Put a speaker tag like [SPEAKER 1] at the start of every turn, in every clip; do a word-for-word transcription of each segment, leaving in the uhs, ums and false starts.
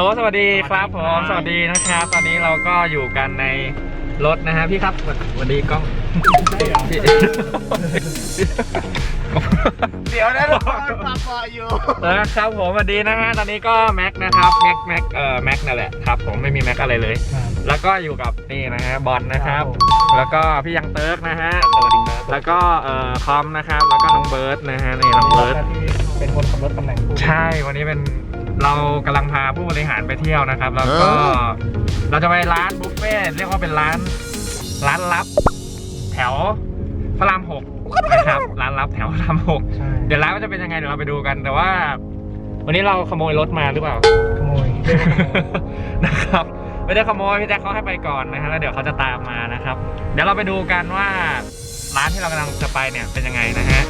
[SPEAKER 1] สวัสดีครับผมสวัสดีนะครับตอนนี้เราก็อยู่กันในรถนะฮะพี่ครับสวัสดีกล้องพี่
[SPEAKER 2] เดี๋ยวนะเราปาปออยู่
[SPEAKER 1] นะครับผมสวัสดีนะฮะตอนนี้ก็แม็กนะครับแม็กแม็กเอ่อแม็กนั่นแหละครับผมไม่มีแม็กอะไรเลยแล้วก็อยู่กับนี่นะฮะบอลนะครับแล้วก็พี่ยังเติร์กนะฮะสวัสดีครับแล้วก็เอ่อคอมนะครับแล้วก็น้องเบิร์ดนะฮะนี่น้องเบิร์ด
[SPEAKER 2] เป็นคนขับรถตำแหน่ง
[SPEAKER 1] ใช่วันนี้เป็นเรากำลังพาผู้บริหารไปเที่ยวนะครับแล้วก็เราจะไปร้านบุฟเฟ่เรียกว่าเป็นร้านร้านลับแถวพระรามหกนะครับร้านลับแถวพระรามหกเดี๋ยวร้านก็จะเป็นยังไงเดี๋ยวเราไปดูกันแต่ว่าวันนี้เราขโมยรถมาหรือเปล่า
[SPEAKER 2] ขโมย
[SPEAKER 1] นะครับไม่ได้ขโมยพี่แจ็คเขาให้ไปก่อนนะฮะแล้วเดี๋ยวเขาจะตามมานะครับเดี๋ยวเราไปดูกันว่าร้านที่เรากำลังจะไปเนี่ยเป็นยังไงนะฮะ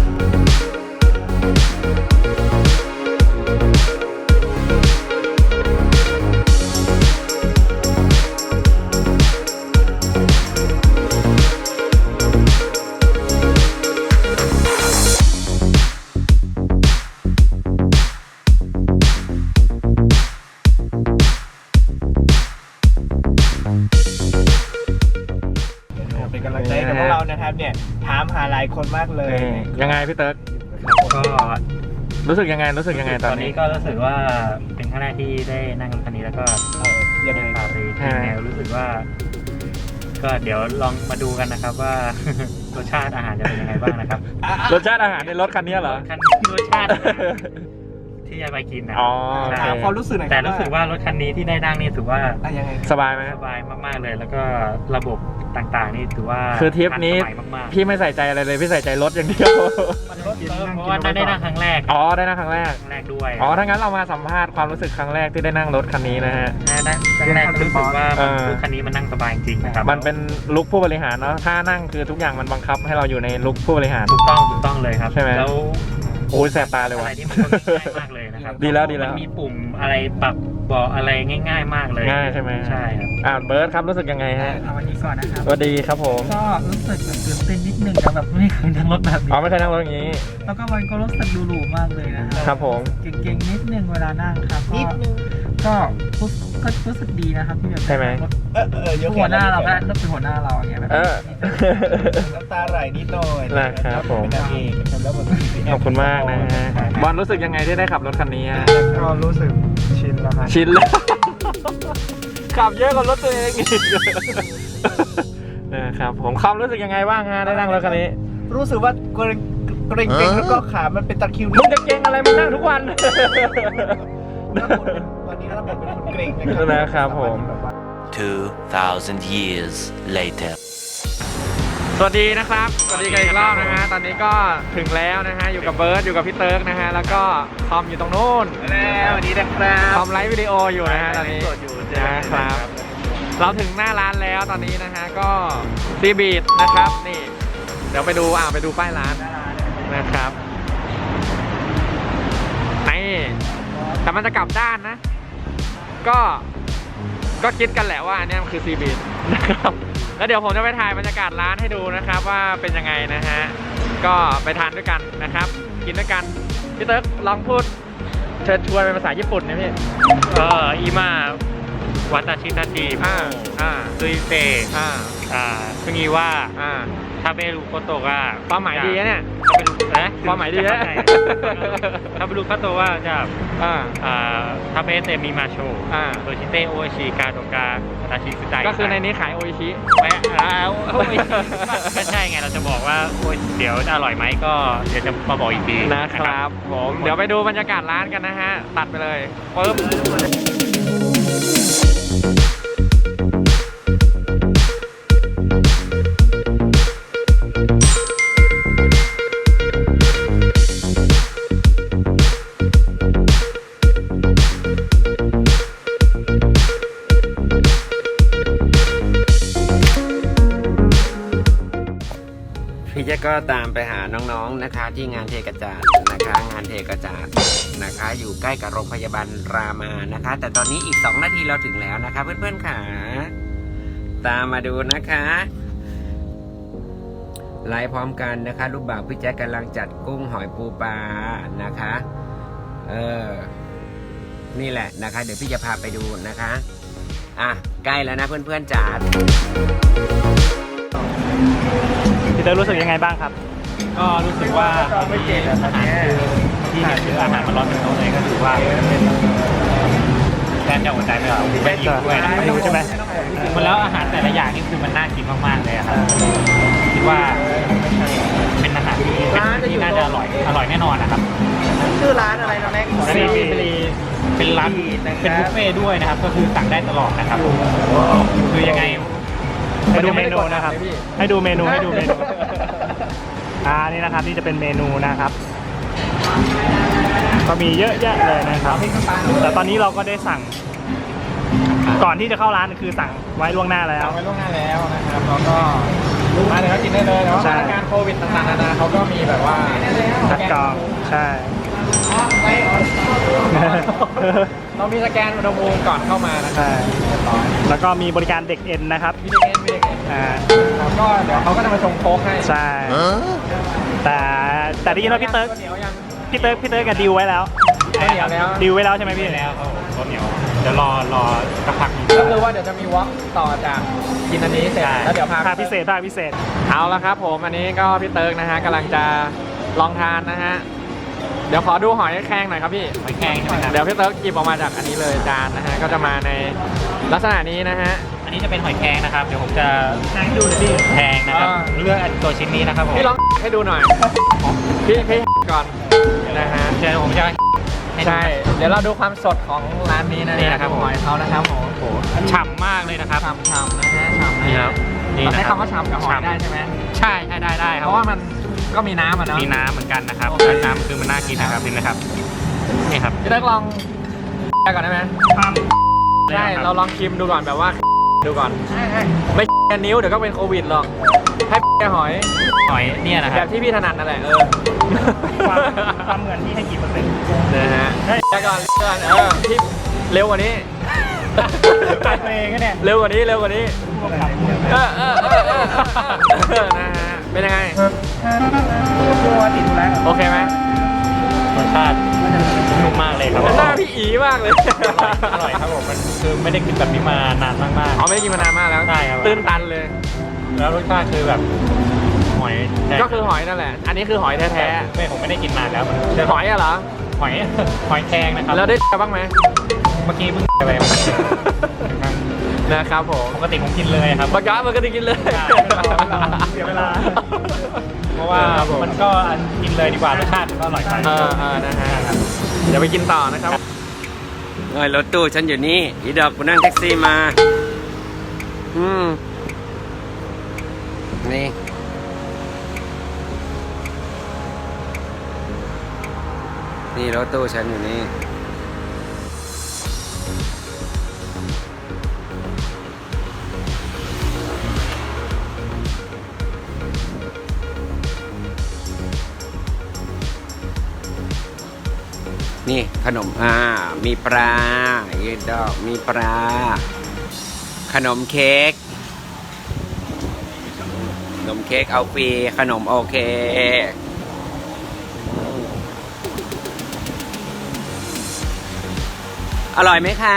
[SPEAKER 2] เป็นกำลังใจกับพวกเรานะครับเนี่ยถามหาหลายคนมากเลย
[SPEAKER 1] ยังไงพี่เติร์กก็รู้สึกยังไงรู้สึกยังไงตอนนี้
[SPEAKER 3] ก็รู้สึกว่าเป็นครั้งแรกที่ได้นั่งรถคันนี้แล้วก็
[SPEAKER 2] ยังไง
[SPEAKER 3] พาไปที่แนวรู้สึกว่าก็เดี๋ยวลองมาดูกันนะครับว่ารสชาติอาหารจะเป็นยังไงบ้างนะครับ
[SPEAKER 1] รสชาติอาหารในรถคันนี้เหรอ
[SPEAKER 3] คันรสชาติที่จะไปกินนะ
[SPEAKER 1] อ๋อ
[SPEAKER 2] ความรู้สึกไหน
[SPEAKER 3] แต่รู้สึกว่ารถคันนี้ที่ได้นั่งนี่ถือว่า
[SPEAKER 1] สบายไหม
[SPEAKER 3] สบายมากๆเลยแล้วก็ระบบต่างๆนี่ถือว่า
[SPEAKER 1] คือทริปนี้พี่ไม่ใส่ใจอะไรเลยพี่ใส่ใจรถอย่างเดียว
[SPEAKER 3] เพราะว่าได้นั่งครั้งแรก
[SPEAKER 1] อ๋อได้นั่งครั้งแรก
[SPEAKER 3] ครั้งแรกด้วย
[SPEAKER 1] อ๋อถ้างั้นเรามาสัมภาษณ์ความรู้สึกครั้งแรกที่ได้นั่งรถคันนี้นะฮะ
[SPEAKER 3] ได้ครั้งแรกรู้สึกว่ารถคันนี้มันนั่งสบายจริงนะครับ
[SPEAKER 1] มันเป็นลุคผู้บริหารเนาะถ้านั่งคือทุกอย่างมันบังคับให้เราอยู่ในลุคผู้บริหาร
[SPEAKER 3] ถูกต้องถูกต้องเลยครับ
[SPEAKER 1] ใช่ไหม
[SPEAKER 3] แล้ว
[SPEAKER 1] โอ้ยแสบตาเลยว่ะ
[SPEAKER 3] อะไรที่มันง่ายมากเลยนะครับ
[SPEAKER 1] ดีแล้วดีแล้ว
[SPEAKER 3] มีปุ่มอะไรปรับเบาะอะไรง่ายๆมากเลย
[SPEAKER 1] ง่ายใช่ไหม
[SPEAKER 3] ใช่ครับ
[SPEAKER 1] อ่าเบิร์ดครับรู้สึกยังไงฮะ
[SPEAKER 2] สวัสดีก่อนนะครับ
[SPEAKER 1] สวัสดีครับผม
[SPEAKER 2] ก็รู้สึกตื่นเต้นนิดนึงนะแบบไม่เคยนั่งรถแบบนี้
[SPEAKER 1] อ๋อไม่เคยนั่งรถอย่างนี้
[SPEAKER 2] แล้วก็มันก็รู้สึกดูหรูมากเลยนะครับ
[SPEAKER 1] ครับผม
[SPEAKER 2] เก่งๆนิดนึงเวลานั่งครับก็ก็ก็รู้สึกดีนะครับที่แบบ
[SPEAKER 1] ใช่ไหม
[SPEAKER 2] เออเออหัวหน้าเราก็ต้องเป็นหัวหน้าเราอย่างเงี้ยแบบน้ำตาไหลนิดหน่อย
[SPEAKER 1] นะครับผมขอบคุณมากนะฮะบอลรู้สึกยังไงที่ได้ขับรถคันนี้
[SPEAKER 2] ก็รู้สึกชินแล้วครับ
[SPEAKER 1] ชินแล้วขับเยอะกว่ารถตัวเองอีกนะครับผมความรู้สึกยังไงบ้างฮะได้นั่งรถคันนี้
[SPEAKER 2] รู้สึกว่าเกรงเกรงเกรงแล้วก็ขามันเป็นตะคริว
[SPEAKER 1] มึงจะเกรงอะไรมึงนั่งทุกวัน
[SPEAKER 2] วันนี้เราเป็นคนเกรง
[SPEAKER 1] นะครับผม
[SPEAKER 4] two thousand years later
[SPEAKER 1] สวัสดีนะครับสวัสดีกันอีกรอบนะฮะตอนนี้ก็ถึงแล้วนะฮะอยู่กับเบิร์ดอยู่กับพี่เติร์กนะฮะแล้วก็คอมอยู่ตรงนู้น
[SPEAKER 2] แล้ววันนี้นะครับ
[SPEAKER 1] คอมไลฟ์วิดีโออยู่นะฮะตอนนี้นะครับเราถึงหน้าร้านแล้วตอนนี้นะฮะก็ซีบีทนะครับนี่เดี๋ยวไปดูอ่าไปดูป้ายร้านนะครับนี่แต่มันจะกลับด้านนะก็ก็คิดกันแหละว่าอันนี้มันคือซีบีทนะครับแล้วเดี๋ยวผมจะไปถ่ายบรรยากาศร้านให้ดูนะครับว่าเป็นยังไงนะฮะก็ไปทานด้วยกันนะครับกินด้วยกันพี่เติร์กลองพูดเชิญชวนเป็นภาษาญี่ปุ่นนะพี่
[SPEAKER 3] เอออีมาวัตชินาจิ
[SPEAKER 1] อ่าอ่า
[SPEAKER 3] ซุยเซ
[SPEAKER 1] อ่า
[SPEAKER 3] อ่าซึ่งอีว่า
[SPEAKER 1] อ่า
[SPEAKER 3] ทาเบรุโคโตะว่า
[SPEAKER 1] ความหมายดีนะเนี่ย
[SPEAKER 3] นะ
[SPEAKER 1] ความหมายดีนะ
[SPEAKER 3] ทาเบรุโคโตะว่าจะ
[SPEAKER 1] อ่า
[SPEAKER 3] อ่าทาเบเตมิมาโช
[SPEAKER 1] อ่า
[SPEAKER 3] โดชิเตโอชิกาโตกาตาชิสุได
[SPEAKER 1] ก็คือในนี้ขายโออิชิ
[SPEAKER 3] ไม่แล้วก็ใช่ไงเราจะบอกว่าเดี๋ยวจะอร่อยไหมก็เดี๋ยวจะมาบอกอีกที
[SPEAKER 1] นะครับผมเดี๋ยวไปดูบรรยากาศร้านกันนะฮะตัดไปเลยปึ๊บ
[SPEAKER 5] พี่เจ๊ก็ตามไปหาน้องๆนะคะที่งานเทกระจาดนะคะงานเทกระจาดนะคะอยู่ใกล้กับโรงพยาบาลรามานะคะแต่ตอนนี้อีกสองนาทีเราถึงแล้วนะคะเพื่อนๆค่ะตามมาดูนะคะไลฟ์พร้อมกันนะคะลูกบ่าวพี่แจ๊กกำลังจัดกุ้งหอยปูปลานะคะเออนี่แหละนะคะ เดี๋ยวพี่จะพาไปดูนะคะอ่ะใกล้แล้วนะเพื่อนๆจ๋า
[SPEAKER 2] พี่เตอร์รู้สึกยังไงบ้างครับ
[SPEAKER 3] ก็รู้สึกว่าไม่เก่งอาหารคือที่เห็นคืออาหารมันร้อนเป็นโต๊ะเลยก็ถือว่าแทนจะอดใจไม่ไหวไม่หิวด้วยนะ
[SPEAKER 2] ไม่หิวใช่ไหม
[SPEAKER 3] มันแล้วอาหารแต่ละอย่างนี่คือมันน่ากินมากๆเลยครับคิดว่าเป็นอาหารที่ที่น่าจะอร่อยอร่อยแน่นอนนะครับ
[SPEAKER 2] ชื่อร้านอะไรนะแม็ก
[SPEAKER 3] แล้วก็เป็นร้านเป็นบุฟเฟ่ต์ด้วยนะครับ ก็คือสั่งได้ตลอดนะครับคือยังไง
[SPEAKER 2] ให้ดูเมนูนะครับ ให้ดูเมนูให้ดูเมนูอ่านี่นะครับนี่จะเป็นเมนูนะครับ ก็มีเยอะแยะเลยนะครับแต่ตอนนี้เราก็ได้สั่ง ก่อนที่จะเข้าร้านคือสั่งไว้ล่วงหน้าแล้ว
[SPEAKER 1] ไว้ล่วงหน้าแล้วนะครับแล้วก็มาเลยก็กินได้เลยแต่ว่ามาตรการโควิดต่างๆนานาเขาก็มีแบบว่า
[SPEAKER 2] คัดกรองใช่
[SPEAKER 1] เรามีสแกนอุณหภูมิก่อนเข้ามานะครับ
[SPEAKER 2] ใช่แล้วก็มีบริการเด็กเอ็นนะครับ
[SPEAKER 1] มีเด็กเอ็นมีเด็กเอ็น
[SPEAKER 2] อ่า
[SPEAKER 1] แล้วก็เดี๋ยวเขาก็จะมาชงโค้กให้
[SPEAKER 2] ใช่แต่แต่ได้ยินว่าพี่เติร์ก
[SPEAKER 1] เหนียวยัง
[SPEAKER 2] พี่เติร์กพี่เติร์กกับดิวไว้แล้ว
[SPEAKER 1] ข้าวเหนียวแล้ว
[SPEAKER 2] ดิวไว้แล้วใช่ไหมพี่
[SPEAKER 3] แล้วครับผมข้าวเหนียวเดี๋ยวรอรอสักพักหนึ่ง
[SPEAKER 1] ก็คือว่าเดี๋ยวจะมีวอล์กต่อจากกินอันนี้เสร็จ
[SPEAKER 3] ใช่
[SPEAKER 1] แล้วเดี๋ยวพา
[SPEAKER 2] ภาคพิเศษภาคพิเศษ
[SPEAKER 1] เอาละครับผมอันนี้ก็พี่เติร์กนะฮะกำลังจะลองทานนะฮะเดี๋ยวขอดูหอยแครงหน่อยครับพี่
[SPEAKER 3] หอยแครงใช่ไหมครับ
[SPEAKER 1] เดี๋ยวพี่เติร์กหยิบออกมาจากอันนี้เลยจานนะฮะก็จะมาในลักษณะนี้นะฮะ
[SPEAKER 3] อันนี้จะเป็นหอยแครงนะครับ เดี๋ยวผมจะ
[SPEAKER 2] ให้ดูหน่อยพี่
[SPEAKER 3] แพงนะครับ
[SPEAKER 1] อ่า
[SPEAKER 3] เลือกตัวชิ้นนี้นะครับผม
[SPEAKER 1] พี่ลองให้ดูหน่อยพี่พี่ก่อนนะฮะ
[SPEAKER 3] เดี๋ยวผมจะห้ดู
[SPEAKER 1] ใช่เดี๋ยวเราดูความสดของร้านนี้นะ
[SPEAKER 3] นี่นะครับผม
[SPEAKER 1] หอยเขานะครับผม
[SPEAKER 3] โอ้โหฉ่ำมากเลยนะครับ
[SPEAKER 1] ฉ่ำฉ่ำนะฮะฉ่ำนะ
[SPEAKER 3] นี่ค
[SPEAKER 1] ฮะ
[SPEAKER 3] รับนี่
[SPEAKER 1] เรา
[SPEAKER 3] นะ
[SPEAKER 1] ใช้
[SPEAKER 3] ครับ
[SPEAKER 1] คำว่าฉ่ำกับหอยได้ใช่ไหม
[SPEAKER 3] ใช่ใช่ได้ได้ค
[SPEAKER 1] เพ
[SPEAKER 3] รับ
[SPEAKER 1] ราะว่ามันก็มีน้ำอ่ะเนาะ
[SPEAKER 3] มีน้ำเหมือนกันนะครับ
[SPEAKER 1] โอเค
[SPEAKER 3] น้ำคือมันน่ากินนะครับนี่นะครับนี่ครับ
[SPEAKER 1] พี่เติร์กลองได้ก่อนได้ไหมใช่เราลองชิมดูก่อนแบบว่าดูก่อนไม่แค่นิ้วเดี๋ยวก็เป็นโควิดหรอกให้แค่หอย
[SPEAKER 3] หอยเนี่ยนะค
[SPEAKER 1] แบ
[SPEAKER 3] รับบ
[SPEAKER 1] ที่พี่ถนัดนั่นแหละเออ
[SPEAKER 2] ความความเหมือนพี่ให้กี่เปอร์เซ็นต์
[SPEAKER 1] นะฮะได้ก่อนเลื่อนเออพี่เร็วกว่านี้
[SPEAKER 2] ตัดเองก็เนี่ย
[SPEAKER 1] เร็วกว่านี้เร็วกว่านี้
[SPEAKER 2] พวกกับ
[SPEAKER 1] เออเออเออเออเออนะฮะเป็นยังไง
[SPEAKER 2] ตัวติดแล้ว
[SPEAKER 1] โอเคไหม
[SPEAKER 3] รสชาตินุ่มมากเลยครับ
[SPEAKER 1] หน้าพี่อีมากเลย
[SPEAKER 3] อร่อยครับผมมันคือไม่ได้กินแบบนี้มานานมากๆ
[SPEAKER 1] อ๋อไม่ได้กินมานานมากแล้ว
[SPEAKER 3] ใช่ครับ
[SPEAKER 1] ตื้นตันเลย
[SPEAKER 3] แล้วรสชาติคือแบบหอยแท้
[SPEAKER 1] ก็คือหอยนั่นแหละ อันนี้คือหอยแท้
[SPEAKER 3] ไม่ผมไม่ได้กินนานแล้วมัน
[SPEAKER 1] ๆหอยอะเหรอ
[SPEAKER 3] หอย หอยแครงนะครับ
[SPEAKER 1] แล้วได้บ้างไหม
[SPEAKER 3] เมื่อกี้เพิ่งไปมา
[SPEAKER 1] นะครับผม
[SPEAKER 3] ปกติผมกินเลยครับ
[SPEAKER 1] ปากกามันก็ได้กินเลย
[SPEAKER 3] ใช่
[SPEAKER 2] เสียเวลา
[SPEAKER 3] เพราะว่ามันก็อันกินเลยดีกว่ารสชาติมันก็อร่อยไป
[SPEAKER 1] เออเออนะฮะเดี๋ยวไปกินต่อนะครับ
[SPEAKER 5] เอ้ยรถตู้ฉันอยู่นี่อีดอกกูนั่งแท็กซี่มา อืม นี่ นี่รถตู้ฉันอยู่นี่ นี่ขนมอ่ามีปลาอีดอกมีปลา ขนมเค้กขนมเค้กเอาฟรีขนมโอเค อร่อยไหมคะ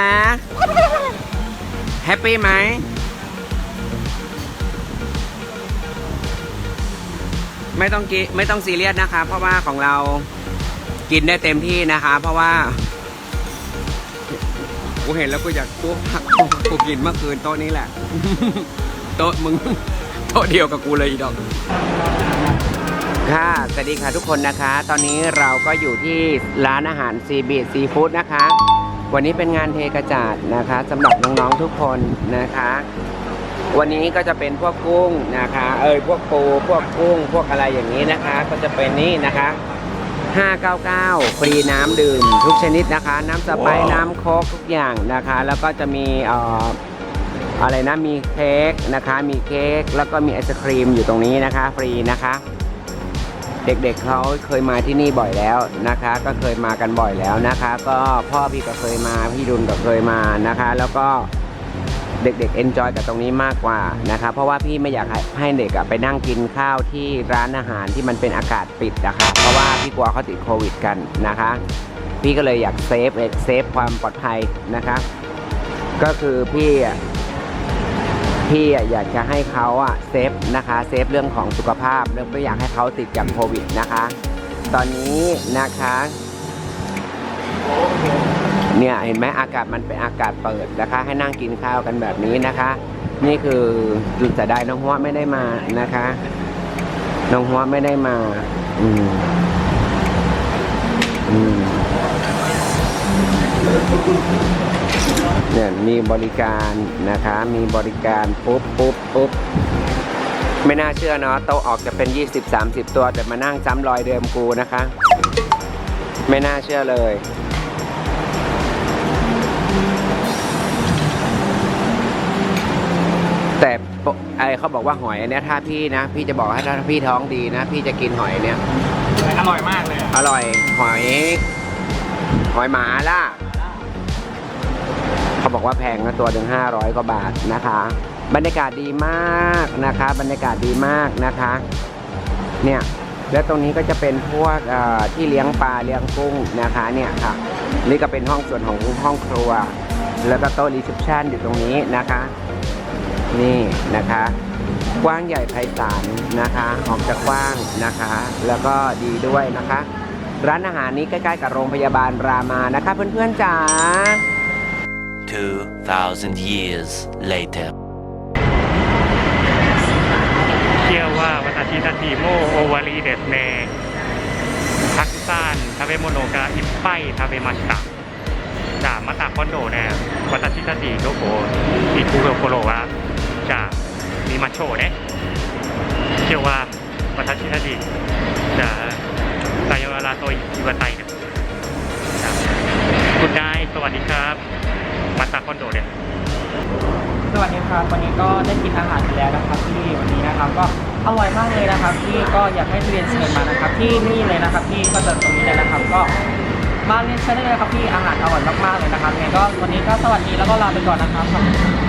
[SPEAKER 5] แฮปปี้ไหม ไม่ต้องกิไม่ต้องซีเรียสนะคะ เพราะว่าของเรากินได้เต็มที่นะคะ เพราะว่ากูเห็นแล้วกูอยากกูหักกูกินเมื่อคืนโต๊ะนี้แหละ โต๊ะมึง โต๊ะเดียวกับกูเลยอีดอกค่ะสวัสดีค่ะทุกคนนะคะ ตอนนี้เราก็อยู่ที่ร้านอาหารซีบีซีฟู้ดนะคะ วันนี้เป็นงานเทกระจาดนะคะสำหรับน้องๆทุกคนนะคะ วันนี้ก็จะเป็นพวกกุ้งนะคะ เอยพวกปูพวกกุ้ง พวกอะไรอย่างนี้นะคะ ก็จะเป็นนี่นะคะห้าเก้าเก้าฟรีน้ำดื่มทุกชนิดนะคะ น้ำสไปซ์ wow. น้ำโค้กทุกอย่างนะคะ แล้วก็จะมีเอ่ออะไรนะมีเค้กนะคะมีเค้กแล้วก็มีไอศครีมอยู่ตรงนี้นะคะฟรีนะคะ เด็กๆ เเขาเคยมาที่นี่บ่อยแล้วนะคะ ก็เคยมากันบ่อยแล้วนะคะ ก็พ่อพี่ก็เคยมาพี่ดุลก็เคยมานะคะ แล้วก็เด็กๆเอนจอยกับตรงนี้มากกว่านะคะเพราะว่าพี่ไม่อยากให้เด็กไปนั่งกินข้าวที่ร้านอาหารที่มันเป็นอากาศปิดนะคะเพราะว่าพี่กลัวเขาติดโควิดกันนะคะพี่ก็เลยอยากเซฟเซฟความปลอดภัยนะคะก็คือพี่อ่ะพี่อ่ะอยากจะให้เขาอ่ะเซฟนะคะเซฟเรื่องของสุขภาพเรื่องไม่อยากให้เขาติดจากโควิดนะคะตอนนี้นะคะเนี่ยเห็นไหมอากาศมันเป็นอากาศเปิดนะคะให้นั่งกินข้าวกันแบบนี้นะคะนี่คือจุดเสียดายน้องหัวไม่ได้มานะคะน้องหัวไม่ได้มาอืมอืมเนี่ยมีบริการนะคะมีบริการปุ๊บปุ๊บปุ๊บไม่น่าเชื่อเนาะโต๊ะออกจะเป็น ยี่สิบ สามสิบ ตัวแต่มานั่งซ้ำรอยเดิมกูนะคะไม่น่าเชื่อเลยแต่ไอเขาบอกว่าหอยอันเนี้ยถ้าพี่นะพี่จะบอกให้ถ้าพี่ท้องดีนะพี่จะกินหอยเนี้ย
[SPEAKER 3] อร่อยมากเลย
[SPEAKER 5] อร่อยหอยหอยหมาล่ะเขาบอกว่าแพงนะตัวถึงห้าร้อยกว่าบาทนะคะบรรยากาศดีมากนะคะบรรยากาศดีมากนะคะเนี่ยแล้วตรงนี้ก็จะเป็นพวกที่เลี้ยงปลาเลี้ยงกุ้งนะคะเนี่ยค่ะนี่ก็เป็นห้องส่วนของห้องครัวแล้วก็โต๊ะรีเซพชันอยู่ตรงนี้นะคะนี่นะคะกว้างใหญ่ไพศาลนะคะออกจากกว้างนะคะแล้วก็ดีด้วยนะคะร้านอาหารนี้ใกล้ๆกับโรงพยาบาลรามานะคะเพื่อนๆจ๋า
[SPEAKER 4] two thousand years later
[SPEAKER 2] เชื่อว่าวัตชิตาจิโมโอวารีเดสเนทักซานทาเวโมโนกาอิปไปทาเวมาชิตะจะมาตาคอนโดเนี่ยวัตชิตาจิโดโกอิคุโรโคโรวะจะมีมาโชเนี่ยเชื่อว่าวัตชิตาจิจะไซโยราโตอิวาไตเนี่ยคุณนายสวัสดีครับมาตาคอนโดเนี่ย
[SPEAKER 6] สวัสดีครับวันนี้ก็ได้กินอาหารไปแล้วนะครับที่วันนี้นะครับก็อร่อยมากเลยนะครับที่ก็อยากให้เรียนเชิญมานะครับที่นี่เลยนะครับที่ก็จะตรงนี้เลยนะครับก็มาเรียนเชิญได้เลยครับที่อาหารอร่อยมากๆเลยนะครับงั้นก็วันนี้ก็สวัสดีแล้วก็ลาไปก่อนนะครับ